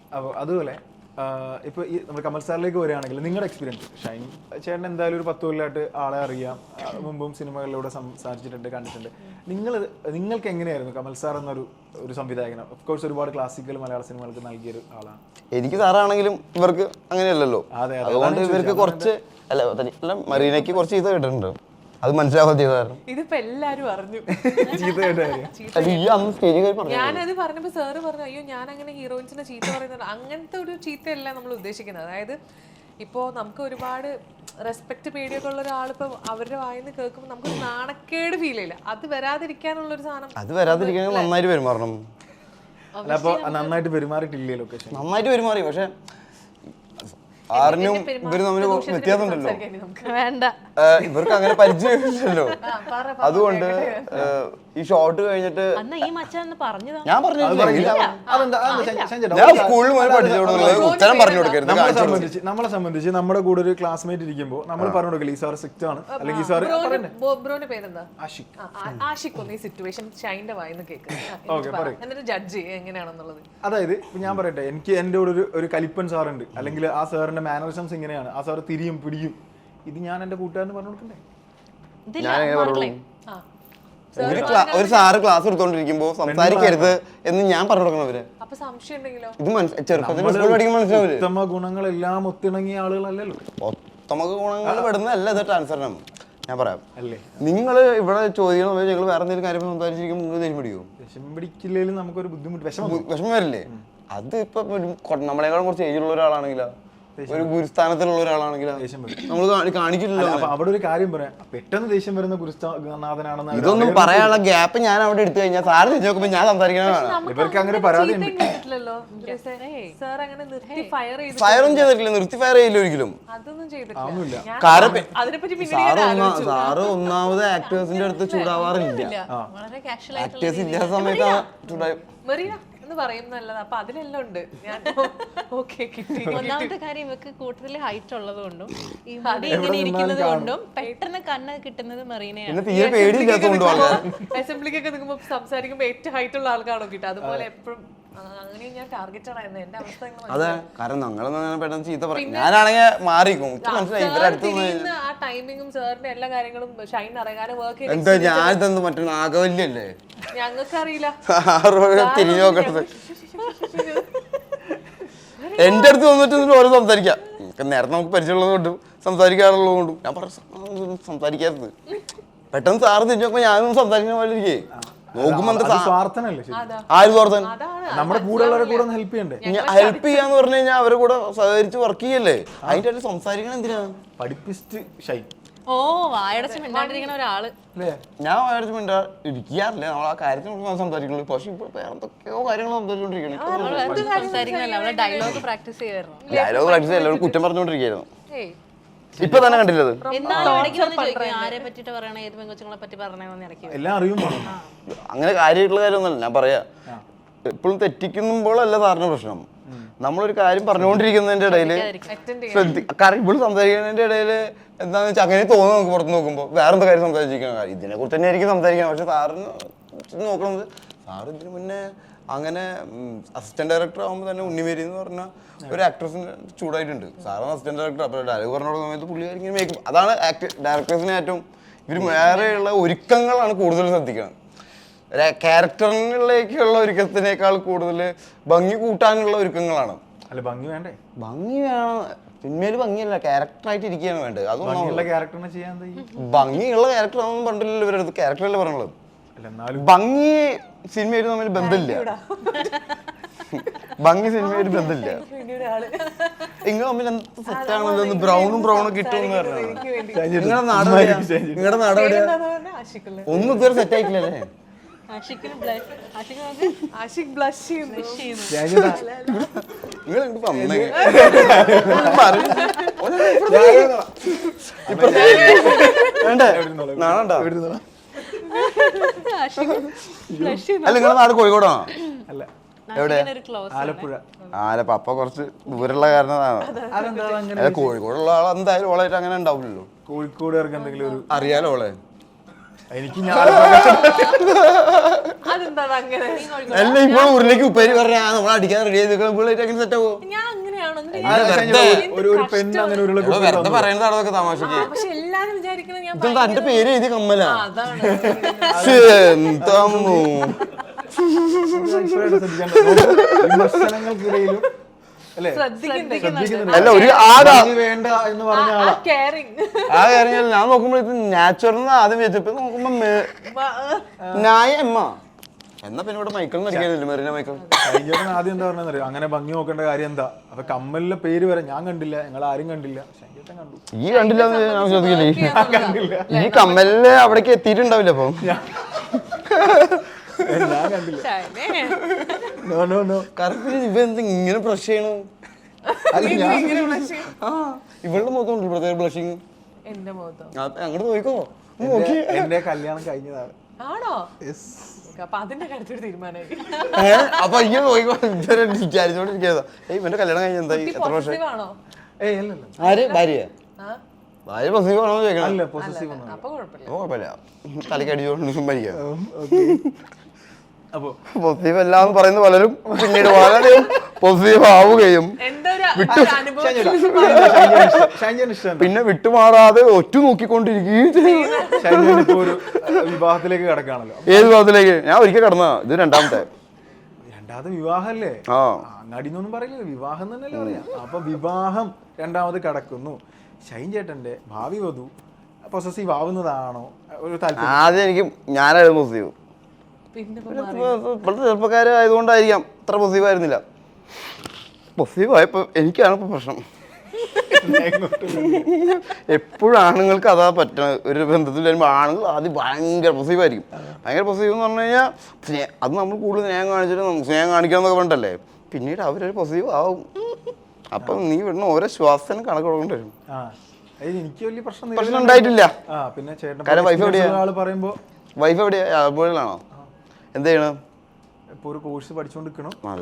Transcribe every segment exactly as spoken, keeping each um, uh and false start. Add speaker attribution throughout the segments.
Speaker 1: അപ്പോൾ അതുപോലെ ഇപ്പോൾ ഈ നമ്മൾ കമൽ സാറിലേക്ക് വരികയാണെങ്കിൽ നിങ്ങളുടെ എക്സ്പീരിയൻസ് ഷൈൻ ചേട്ടൻ എന്തായാലും ഒരു പത്ത് കൊല്ലമായിട്ട് ആളെ അറിയാം, മുമ്പും സിനിമകളിലൂടെ സംസാരിച്ചിട്ടുണ്ട്, കണ്ടിട്ടുണ്ട്. നിങ്ങൾ നിങ്ങൾക്ക് എങ്ങനെയായിരുന്നു കമൽ സാർ എന്നൊരു ഒരു സംവിധായകൻ? ഓഫ് കോഴ്സ് ഒരുപാട് ക്ലാസിക്കൽ മലയാള സിനിമകൾക്ക് നൽകിയൊരു ആളാണ്.
Speaker 2: എനിക്ക് സാറാണെങ്കിലും ഇവർക്ക് അങ്ങനെയല്ലല്ലോ, അതുകൊണ്ട് ഇവർക്ക് കുറച്ച് അല്ല മറീനയ്ക്ക് കുറച്ച് ഇത് കേട്ടിട്ടുണ്ട്, അത് മനസ്സിലാവാതെ
Speaker 3: ഇതിപ്പോ എല്ലാരും അറിഞ്ഞു.
Speaker 2: ഞാനത്
Speaker 3: പറഞ്ഞപ്പോ സാറ് പറഞ്ഞു അയ്യോ ഞാൻ അങ്ങനെ ഹീറോയിൻസിനെ ചീത്ത പറയുന്നത് അങ്ങനത്തെ ഒരു ചീത്തയല്ല നമ്മൾ ഉദ്ദേശിക്കുന്നത്. അതായത് ഇപ്പോ നമുക്ക് ഒരുപാട് റെസ്പെക്ട് പേടിയൊക്കെ ഉള്ള ഒരാളിപ്പോ അവരുടെ വായിന്ന് കേൾക്കുമ്പോൾ നമുക്കൊരു നാണക്കേട് ഫീൽ ചെയ്യില്ല. അത് വരാതിരിക്കാനുള്ള ഒരു സാധനം,
Speaker 2: അത് വരാതിരിക്കാൻ നന്നായിട്ട് പെരുമാറണം.
Speaker 1: അപ്പൊ നന്നായിട്ട് പെരുമാറിയിട്ടില്ലേ ലൊക്കേഷൻ?
Speaker 2: നന്നായിട്ട് പെരുമാറി, പക്ഷെ ആറിനും ഇവര് തമ്മിൽ വ്യത്യാസം ഉണ്ടല്ലോ,
Speaker 3: വേണ്ട
Speaker 2: ഇവർക്ക് അങ്ങനെ പരിചയമില്ലല്ലോ. അതുകൊണ്ട് ഈ ഷോട്ട് കഴിഞ്ഞിട്ട് ഞാൻ പറഞ്ഞു ഞാൻ സ്കൂളിൽ പോയി പഠിച്ചോടുന്നത് ഉത്തരം പറഞ്ഞു കൊടുക്കരുത്.
Speaker 1: നമ്മളെ സംബന്ധിച്ച് നമ്മുടെ കൂടെ ഒരു ക്ലാസ്മേറ്റ് ഇരിക്കുമ്പോൾ നമ്മൾ പറഞ്ഞു കൊടുക്കില്ല ഈ സാർ സ്ട്രിക്റ്റ് ആണ് അല്ലെങ്കിൽ ഈ സാർ
Speaker 3: ബ്രോന്റെ പേരെന്താ? ആഷിഖ്. ആഷിഖ് ഒന്ന് ഈ സിറ്റുവേഷൻ ഷൈന്റെ വായിന്ന് കേൾക്കുന്നത് എന്നിട്ട് ജഡ്ജ് ചെയ്യുക എങ്ങനെയാണെന്നുള്ളത്.
Speaker 1: അതായത് ഞാൻ പറയട്ടെ, എനിക്ക് എൻ്റെ കൂടെ ഒരു ഒരു കലിപ്പൻ സാറുണ്ട്, അല്ലെങ്കിൽ ആ സാറിന്റെ മാനറിസംസ് ഇങ്ങനെയാണ്, ആ സാർ തിരിയും പിടിയും, ഇത് ഞാൻ എന്റെ കൂട്ടുകാരന് പറഞ്ഞു കൊടുക്കണ്ടേ?
Speaker 2: ഒരു സാറ് ക്ലാസ് എടുത്തോണ്ടിരിക്കുമ്പോ സംസാരിക്കരുത് എന്ന് ഞാൻ പറഞ്ഞു കൊടുക്കണം അവര്. ഇത് ചെറുപ്പത്തിൽ സ്കൂളിൽ പഠിക്കുമ്പോൾ മനസ്സിലാവില്ല.
Speaker 1: ഉത്തമ ഗുണങ്ങളെല്ലാം ഒത്തിണങ്ങിയ ആളുകളല്ലല്ലോ.
Speaker 2: ഉത്തമ ഗുണങ്ങൾ പെടുന്നതല്ല ഇത് ട്രാൻസ്ഫറിനും. ഞാൻ പറയാം, നിങ്ങള് ഇവിടെ ചോദിക്കണം ഞങ്ങൾ വേറെ എന്തെങ്കിലും കാര്യം സംസാരിച്ചിരിക്കുമ്പോൾ നിങ്ങൾ ദേഷ്യം പിടിക്കുമോ?
Speaker 1: ദേഷ്യം പിടിക്കില്ലെങ്കിലും നമുക്കൊരു ബുദ്ധിമുട്ട്, വിഷമം
Speaker 2: വിഷമം വരില്ലേ? അത് ഇപ്പൊ നമ്മളെക്കാളും കുറച്ച് ഏജിലുള്ള ഒരാളാണെങ്കിലോ ഒരു ഗുരുസ്ഥാനത്തിലുള്ള ഒരാളാണെങ്കിലോ നമ്മൾ കാണിക്കില്ലല്ലോ.
Speaker 1: അവിടെ ഒരു കാര്യം പറയാം, പെട്ടെന്ന് ദേഷ്യം വരുന്ന ഗുരുനാഥനാണെന്ന്
Speaker 2: ഇതൊന്നും പറയാനുള്ള ഗ്യാപ്പ് ഞാൻ അവിടെ എടുത്തു കഴിഞ്ഞാൽ സാറ് തിരിച്ചു നോക്കുമ്പോൾ ഞാൻ സംസാരിക്കണതാണ്.
Speaker 1: ഇവർക്ക് അങ്ങനെ പരാതി
Speaker 2: ഫയറും ചെയ്തിട്ടില്ല, നിർത്തി ഫയർ ചെയ്യില്ല ഒരിക്കലും. കാരണം സാറ് ഒന്നാമത് ആക്ടേഴ്സിന്റെ അടുത്ത് ചൂടാവാറില്ല, ആക്ടേഴ്സ് ഇല്ലാത്ത സമയത്താണ് ചൂടായി
Speaker 3: പറയുന്നല്ലത്. അപ്പൊ അതിലെല്ലാം ഉണ്ട്. ഒന്നാമത്തെ കാര്യം ഇവക്ക് കൂടുതൽ ഹൈറ്റ് ഉള്ളത് കൊണ്ടും ഈ മുടി ഇങ്ങനെ ഇരിക്കുന്നത് കൊണ്ടും പെട്ടെന്ന് കണ്ണ് കിട്ടുന്നത് മെറീനയാണ്. അസംബ്ലിക്കൊക്കെ നിൽക്കുമ്പോ സംസാരിക്കുമ്പോ ഏറ്റവും ഹൈറ്റ് ഉള്ള ആൾക്കാണോ കിട്ടുക, അതുപോലെ എപ്പോഴും അങ്ങനെ ഞാൻ ടാർഗറ്റ് ആയിരുന്നു. എന്റെ അവസ്ഥ
Speaker 2: അതെ, കാരണം ഞങ്ങളൊന്നും പെട്ടെന്ന് ചീത്ത പറയും. ഞാനാണെങ്കിൽ മാറിക്കും,
Speaker 3: ആ ടൈമിങ്ങും സാറിന്റെ എല്ലാ കാര്യങ്ങളും ഷൈൻ അറിയാനും വർക്ക്
Speaker 2: എന്താ ഞാൻ ഇതെന്ത് മറ്റേ നാഗവല്യല്ലേ
Speaker 3: ഞങ്ങൾക്ക് അറിയില്ല.
Speaker 2: തിരിഞ്ഞു നോക്കണത് എന്റെ അടുത്ത് വന്നിട്ട് ഓരോ സംസാരിക്കാം. നേരത്തെ നമുക്ക് പരിചയമുള്ളത് കൊണ്ടും സംസാരിക്കാറുള്ളത് കൊണ്ടും ഞാൻ പറഞ്ഞു സംസാരിക്കാത്തത്. പെട്ടെന്ന് സാറ് തിരിഞ്ഞു നോക്കുമ്പോ ഞാനൊന്നും സംസാരിക്കുന്ന പോലെ ഇരിക്കേ നോക്കുമ്പോ ആര് സ്വാർത്ഥൻ?
Speaker 1: നമ്മുടെ കൂടെ ഹെൽപ്പ് ചെയ്യണ്ടേ?
Speaker 2: ഹെൽപ്പ് ചെയ്യാന്ന് പറഞ്ഞു കഴിഞ്ഞാൽ അവരെ കൂടെ സഹകരിച്ച് വർക്ക് ചെയ്യല്ലേ, അതിന്റെ ഇടയിൽ സംസാരിക്കണം എന്തിനാ?
Speaker 1: പഠിപ്പിസ്റ്റ് ഷൈൻ.
Speaker 3: ഓ വായടച്ച് മിണ്ടാണ്ടിരിക്കണ ഒരാള്.
Speaker 2: ഞാൻ വായടച്ച് മിണ്ടാ ഇരിക്കാറില്ല, നമ്മൾ ആ കാര്യത്തിന് സംസാരിക്കുള്ളൂ. പക്ഷെ ഇപ്പോൾ വേറെ എന്തൊക്കെയോ കാര്യങ്ങൾ സംസാരിച്ചോണ്ടിരിക്കണം.
Speaker 3: ഡയലോഗ് പ്രാക്ടീസ് ചെയ്യായിരുന്നു.
Speaker 2: ഡയലോഗ് പ്രാക്ടീസ് ചെയ്യല്ലോ, കുറ്റം പറഞ്ഞോണ്ടിരിക്കുന്നു. ഇപ്പൊ തന്നെ കണ്ടില്ലത്
Speaker 1: എല്ലാം അറിയും.
Speaker 2: അങ്ങനെ കാര്യമായിട്ടുള്ള കാര്യമൊന്നുമല്ല ഞാൻ പറയാ. എപ്പോഴും തെറ്റിക്കുമ്പോഴല്ല സാറിന്റെ പ്രശ്നം. നമ്മളൊരു കാര്യം പറഞ്ഞുകൊണ്ടിരിക്കുന്നതിന്റെ ഇടയില് ശ്രദ്ധി കാരണം ഇപ്പോഴും സംസാരിക്കുന്നതിന്റെ ഇടയില് എന്താന്ന് വെച്ചാൽ അങ്ങനെ തോന്നുന്നു നമുക്ക് പുറത്ത് നോക്കുമ്പോൾ വേറെ എന്താ കാര്യം സംസാരിച്ചിരിക്കുന്ന കാര്യം ഇതിനെ കുറിച്ച് തന്നെ ആയിരിക്കും സംസാരിക്കണം. പക്ഷെ സാറിന് നോക്കണത് സാറ് ഇതിന് മുന്നേ അങ്ങനെ അസിസ്റ്റന്റ് ഡയറക്ടർ ആകുമ്പോൾ തന്നെ ഉണ്ണിമേരി എന്ന് പറഞ്ഞ ഒരു ആക്ട്രസിന് ചൂടായിട്ടുണ്ട്. സാറാണ് അസിസ്റ്റന്റ് ഡയറക്ടർ. അപ്പോൾ ഡയലോഗ് പറഞ്ഞു കൊടുക്കുന്ന സമയത്ത് പുള്ളിക്കാരിങ്ങനെ മേക്കും. അതാണ് ആക്ട് ഡയറക്ടേഴ്സിനെ ഏറ്റവും ഇവർ വേറെയുള്ള ഒരുക്കങ്ങളാണ് കൂടുതൽ ശ്രദ്ധിക്കണം. ക്യാരക്ടറിലേക്കുള്ള ഒരുക്കത്തിനേക്കാൾ കൂടുതൽ ഭംഗി കൂട്ടാനുള്ള ഒരുക്കങ്ങളാണ്.
Speaker 1: അല്ല ഭംഗി വേണ്ടേ?
Speaker 2: ഭംഗി വേണം, സിനിമയിൽ ഭംഗിയല്ല ക്യാരക്ടറായിട്ട് ഇരിക്കുകയാണ് വേണ്ടത്.
Speaker 1: അതൊന്നും ക്യാരക്ടറിനെ ചെയ്യാൻ
Speaker 2: ഭംഗിയുള്ള ക്യാരക്ടർ ആണെന്ന് പറഞ്ഞില്ലല്ലോ ഇവരടുത്ത്. ക്യാരക്ടറല്ലേ പറഞ്ഞുള്ളത്. ഭംഗി സിനിമയിൽ തമ്മിൽ ബന്ധമില്ല. ഭംഗി സിനിമയിൽ ബന്ധമില്ല. നിങ്ങൾ തമ്മിൽ എന്ത് സെറ്റാണല്ലോ, ബ്രൗണും ബ്രൗണും കിട്ടുമെന്ന് പറഞ്ഞു. നിങ്ങളുടെ നാട് നിങ്ങളുടെ നാട് എവിടെയാ? ഒന്നും ഇതുവരെ സെറ്റ് ആയിട്ടില്ലല്ലേ? അല്ല നിങ്ങളുടെ നാട് കോഴിക്കോടാണോ?
Speaker 1: അല്ല,
Speaker 2: എവിടെ?
Speaker 1: ആലപ്പുഴ.
Speaker 2: ആലപ്പുഴ. അപ്പൊ കുറച്ച് ദൂരമുള്ള കാരണമാണ്. കോഴിക്കോടുള്ള ആൾ എന്തായാലും ഓളായിട്ട് അങ്ങനെ ഉണ്ടാവില്ലല്ലോ.
Speaker 1: കോഴിക്കോടുകാർക്ക് എന്തെങ്കിലും ഒരു
Speaker 2: അറിയാലോ ഓളെ.
Speaker 1: എനിക്ക് ഞാൻ
Speaker 3: അതെന്താ അങ്ങനെ
Speaker 2: അല്ല ഇപ്പോൾ ഊരിലേക്ക് ഉപ്പേരി പറഞ്ഞാ നമ്മൾ അടിക്കാൻ റെഡി ചെയ്ത് അങ്ങനെ സെറ്റ് ആവോ?
Speaker 3: ഞാൻ അങ്ങനെയാണോ
Speaker 1: ഒരു ഒരു പെണ്ണ് അങ്ങനെ ഒരു
Speaker 2: വെറുതെ പറയുന്നതാണ് അതൊക്കെ തമാശക്ക്.
Speaker 3: പക്ഷെ എല്ലാരും വിചാരിക്കണം ഞാൻ
Speaker 2: ഇതെന്താ എന്റെ പേര് എഴുതി കമ്മല?
Speaker 3: അതാണ്
Speaker 2: എന്താമോ
Speaker 1: വിമർശനങ്ങൾക്കിടയിലും അല്ലേ
Speaker 3: ശ്രദ്ധിക്കുന്നുണ്ട്
Speaker 2: അല്ല ഒരു ആടാ
Speaker 1: വേണ്ട എന്ന് പറഞ്ഞ ആളാ.
Speaker 3: കെയറിങ്
Speaker 2: ആ കാര്യം ഞാൻ നോക്കുമ്പോ ഇത് നാച്ചുറൽ ആദ്യം വെച്ചപ്പോ നോക്കുമ്പോ നായ അമ്മ എന്നാ പിന്നെ ഇവിടെ മൈക്കിൾ അടിക്കാനില്ല മെറീന മൈക്കിൾ.
Speaker 1: ഷൈൻചേട്ടൻ ആദ്യം എന്താ പറഞ്ഞറിയോ, അങ്ങനെ ഭംഗി നോക്കേണ്ട കാര്യം എന്താ? അപ്പൊ കമ്മലിന്റെ പേര് വരെ ഞാൻ കണ്ടില്ല, ഞങ്ങൾ ആരും കണ്ടില്ല, ഷൈൻചേട്ടൻ കണ്ടു.
Speaker 2: ഈ കണ്ടില്ല ഞാൻ ശ്രദ്ധിക്കില്ലേ? ഈ കമ്മലില് അവിടേക്ക് എത്തിയിട്ടുണ്ടാവില്ല അപ്പൊ
Speaker 1: ഞാൻ കണ്ടില്ല. നോ നോ നോ
Speaker 2: കറക്റ്റ് ഇവ എന്താ ഇങ്ങനെ ബ്രഷ് ചെയ്യണു?
Speaker 1: അല്ല ഞാൻ
Speaker 2: ആ ഇവളുടെ മുഖത്തുണ്ട് പ്രത്യേക ബ്ലഷിങ്.
Speaker 3: എന്റെ മുഖത്തോ?
Speaker 2: അങ്ങോട്ട് നോക്കോ
Speaker 1: എന്റെ- എന്റെ കല്യാണം കഴിഞ്ഞതാണ്.
Speaker 3: ആണോ?
Speaker 1: Yes.
Speaker 3: അപ്പൊ അതിന്റെ കാര്യത്തിൽ തീരുമാനമായി.
Speaker 2: അപ്പൊ ഇങ്ങനെ നോക്കോ വിചാരിച്ചോണ്ടിരിക്കാ ഇവന്റെ കല്യാണം കഴിഞ്ഞ എന്തായി എത്ര വർഷം?
Speaker 3: പോസിറ്റീവ് ആണോ?
Speaker 1: ഏയ് അല്ലല്ല,
Speaker 2: ആര് ഭാര്യ
Speaker 3: ആ?
Speaker 2: ഭാര്യ പ്രസീവ് ആണോ ചോദിക്കണം.
Speaker 1: അല്ല പൊസസീവ് ഒന്നും.
Speaker 3: അപ്പൊ കുഴപ്പമില്ല.
Speaker 2: അപ്പൊ കുഴപ്പമില്ല തലക്ക് അടിച്ചോണ്ട് മരിക്കാം.
Speaker 1: അപ്പൊ
Speaker 2: പോസിറ്റീവ് അല്ല എന്ന് പറയുന്ന പലരും പിന്നീട് വളരെ പോസിറ്റീവ് ആവുകയും
Speaker 3: എന്റെ ഒരു ഒരു അനുഭവം
Speaker 1: ഷൈൻചേട്ടൻ ഇഷ്ടമാണ്.
Speaker 2: പിന്നെ വിട്ടുമാറാതെ ഒറ്റ നോക്കിക്കൊണ്ടിരിക്കുകയും ചെയ്യും.
Speaker 1: ഷൈൻചേട്ടൻ ഇപ്പൊ ഒരു വിവാഹത്തിലേക്ക് കിടക്കാണല്ലോ.
Speaker 2: ഏത് ഭാഗത്തിലേക്ക്? ഞാൻ ഒരിക്കൽ കടന്ന ഇത് രണ്ടാമത്തെ
Speaker 1: രണ്ടാമത് വിവാഹല്ലേ?
Speaker 2: ആ
Speaker 1: അങ്ങാടിന്നൊന്നും പറയില്ല, വിവാഹം തന്നെയല്ലേ പറയാ. അപ്പൊ വിവാഹം രണ്ടാമത് കിടക്കുന്നു. ഷൈൻചേട്ടന്റെ ഭാവി വധു പൊസസീവ് ആവുന്നതാണോ ഒരു താല്പര്യം?
Speaker 2: ആദ്യം എനിക്ക് ഞാനായിരുന്നു പോസിറ്റീവ്.
Speaker 3: പിന്നെ
Speaker 2: ഇപ്പോഴത്തെ ചെറുപ്പക്കാരായതുകൊണ്ടായിരിക്കാം ഇത്ര പോസിറ്റീവ് ആയിരുന്നില്ല. പോസിറ്റീവ് ആയപ്പോൾ എനിക്കാണ് ഇപ്പോൾ പ്രശ്നം. എപ്പോഴും ആണുങ്ങൾക്ക് അതാ പറ്റണ. ഒരു ബന്ധത്തിൽ വരുമ്പോൾ ആണുങ്ങൾ ആദ്യം ഭയങ്കര പോസിറ്റീവ് ആയിരിക്കും. ഭയങ്കര പോസിറ്റീവ് എന്ന് പറഞ്ഞു കഴിഞ്ഞാൽ സ്നേ അത് നമ്മൾ കൂടുതൽ സ്നേഹം കാണിച്ചിട്ട് സ്നേഹം കാണിക്കാന്നൊക്കെ പറഞ്ഞിട്ടല്ലേ പിന്നീട് അവരൊരു പോസിറ്റീവ് ആവും. അപ്പം നീ വിടുന്ന ഓരോ ശ്വാസത്തിനും കണക്ക് കൊടുക്കേണ്ടി വരും.
Speaker 1: എനിക്ക് വലിയ പ്രശ്നം
Speaker 2: പ്രശ്നം ഉണ്ടായിട്ടില്ല.
Speaker 1: ആ പിന്നെ ചേട്ടൻ
Speaker 2: കാരണം വൈഫ് എവിടെയാ?
Speaker 1: ആള് പറയുമ്പോ
Speaker 2: വൈഫ് എവിടെയാ? ആലപ്പുഴയിലാണോ? എന്ത് ചെയ്യണം?
Speaker 1: ഇപ്പൊ ഒരു കോഴ്സ് പഠിച്ചോണ്ടിരിക്കണം.
Speaker 2: അല്ല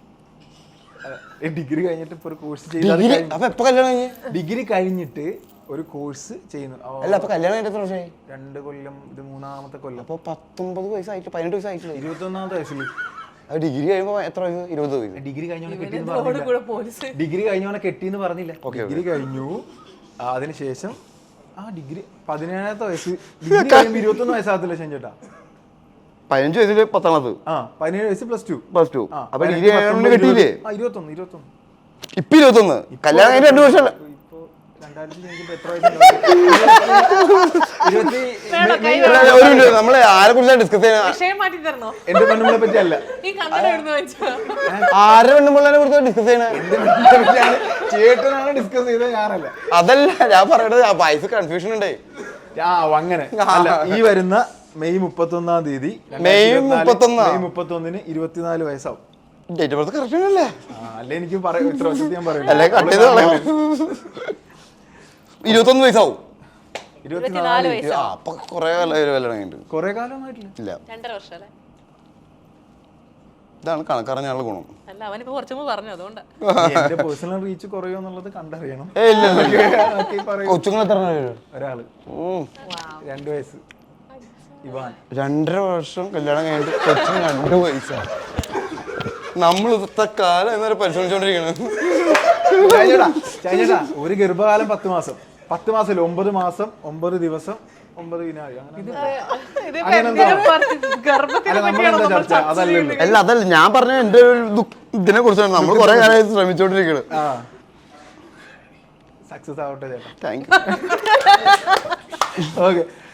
Speaker 1: ഡിഗ്രി കഴിഞ്ഞിട്ട് ഇപ്പൊ ഒരു കോഴ്സ്
Speaker 2: ഡിഗ്രി അപ്പൊ എപ്പോ കല്യാണം കഴിഞ്ഞ്?
Speaker 1: ഡിഗ്രി കഴിഞ്ഞിട്ട് ഒരു കോഴ്സ് ചെയ്യുന്നു.
Speaker 2: അല്ല അപ്പൊ കല്യാണം കഴിഞ്ഞിട്ട് എത്ര വർഷമായി?
Speaker 1: രണ്ട് കൊല്ലം, ഇത് മൂന്നാമത്തെ കൊല്ലം.
Speaker 2: അപ്പൊ പത്തൊമ്പത് വയസ്സായിട്ട് പതിനെട്ട് വയസ്സായിട്ടില്ല.
Speaker 1: ഇരുപത്തി ഒന്നാമത്തെ വയസ്സിൽ
Speaker 2: അത് ഡിഗ്രി കഴിയുമ്പോ എത്ര വയസ്സ്? ഇരുപത് വയസ്സ്.
Speaker 1: ഡിഗ്രി കഴിഞ്ഞോണ്ട് കെട്ടിന്ന്
Speaker 3: റോഡ്
Speaker 1: പറഞ്ഞില്ല.
Speaker 3: കൂടെ പോലീസ്
Speaker 1: ഡിഗ്രി കഴിഞ്ഞോണ്ട് കെട്ടിന്ന് പറഞ്ഞില്ല. ഡിഗ്രി കഴിഞ്ഞു. ആ, അതിനുശേഷം ആ ഡിഗ്രി പതിനേഴാമത്തെ വയസ്സ് ഡിഗ്രി കഴിയുമ്പോ ഇരുപത്തി ഒന്ന് വയസ്സാകത്തില്ല ഷൈൻചേട്ടാ?
Speaker 2: പതിനഞ്ച് വയസ്സില് പത്താമത്.
Speaker 1: ആ പതിനേഴ് വയസ്സ് പ്ലസ് ടു
Speaker 2: പ്ലസ് ടു. അപ്പൊ ഡിഗ്രി കഴിഞ്ഞോണ്ട് കെട്ടിയില്ലേ?
Speaker 1: ആ ഇരുപത്തൊന്ന് ഇരുപത്തൊന്ന്
Speaker 2: ഇപ്പൊ ഇരുപത്തൊന്ന്. കല്യാണം കഴിഞ്ഞ രണ്ടു വർഷം.
Speaker 1: ഇപ്പൊ രണ്ടായിരത്തി കഴിഞ്ഞിട്ട് എത്ര വയസ്സുണ്ട്? ഇരുപത്തി
Speaker 2: ഒരു മിനിറ്റ് നമ്മളെ ആരെ കുറിച്ചാണ് ഡിസ്കസ് ചെയ്യുന്നത്?
Speaker 3: വിഷയം മാറ്റി തരണോ?
Speaker 1: എന്റെ പെണ്ണുങ്ങളെ പറ്റി അല്ല,
Speaker 3: ഈ കണ്ണട എഴുതുന്ന വെച്ചോ?
Speaker 2: ആരെ പെണ്ണുമ്പിള്ളേനെ കുറിച്ചാണ് ഡിസ്കസ് ചെയ്യണത്?
Speaker 1: എന്റെ പെണ്ണുങ്ങളെ പറ്റിയാണ്. ചേട്ടനാണ് ഡിസ്കസ് ചെയ്തത്, ഞാനല്ല.
Speaker 2: അതല്ല ഞാൻ പറയണത്. ആ വയസ്സ് കൺഫ്യൂഷൻ ഉണ്ട്.
Speaker 1: ആ അങ്ങനെ അല്ല. ഈ വരുന്ന മെയ് മുപ്പത്തി ഒന്നാം തീയതി
Speaker 2: മെയ് മുപ്പത്തൊന്നാ?
Speaker 1: മെയ് മുപ്പത്തി ഒന്നിന് ഇരുപത്തിനാല് വയസ്സാവും.
Speaker 2: ഡേറ്റ് ഓഫ് ബർത്ത് കറക്റ്റ് അല്ലേ?
Speaker 1: അല്ലെ എനിക്ക് പറയാം, ഇത്ര വർഷത്തിൽ ഞാൻ പറയും.
Speaker 2: അല്ലെ കട്ട് ചെയ്ത് കളയാം. ഇരുപത്തൊന്ന് വയസ്സാവും.
Speaker 1: ഇരുപത്തിനാല്
Speaker 2: ആ അപ്പൊ കൊറേ കല്യാണം കഴിഞ്ഞിട്ട്
Speaker 1: കൊറേ കാലമായിട്ടില്ല.
Speaker 2: ഇല്ല.
Speaker 3: രണ്ടര വർഷം അല്ലേ?
Speaker 2: ഇതാണ് കണക്കറിഞ്ഞാലുള്ള ഗുണം.
Speaker 3: അല്ല അവനിപ്പോ കുറച്ചു മുമ്പ് പറഞ്ഞു അതുകൊണ്ട്
Speaker 1: എന്റെ പേഴ്സണൽ റീച്ച് കുറയോ എന്നുള്ളത് കണ്ടറിയണം.
Speaker 2: ഏ ഇല്ല
Speaker 1: ബാക്കി പറയൂ.
Speaker 2: കൊച്ചുങ്ങൾ എത്ര പേര്?
Speaker 1: ഒരാള് രണ്ടു വയസ്സ് ഇവാൻ.
Speaker 2: രണ്ടര വർഷം കല്യാണം കഴിഞ്ഞിട്ട് കൊച്ചിന് രണ്ട് വയസ്സാണ്. നമ്മൾ ഇന്നത്തെ കാലം എന്നൊരു പരിശ്രമിച്ചോണ്ടിരിക്കണത്.
Speaker 1: ചൈനേട്ടാ ചൈനേട്ടാ ഒരു ഗർഭകാലം പത്ത് മാസം പത്ത് മാസം ഒമ്പത് മാസം ഒമ്പത് ദിവസം ഒമ്പത് വിനാഴി അങ്ങനെ. അല്ല നമ്മളെന്താ ചർച്ച അതല്ലല്ലോ.
Speaker 2: അല്ല അതല്ല ഞാൻ പറഞ്ഞ എന്റെ ഒരു ഇതിനെ കുറിച്ചാണ് നമ്മൾ കുറെ കാലമായി ശ്രമിച്ചോണ്ടിരിക്കുന്നത്.
Speaker 1: ആ സക്സസ് ആവട്ടെ ചേട്ടാ.
Speaker 2: Thank
Speaker 1: okay.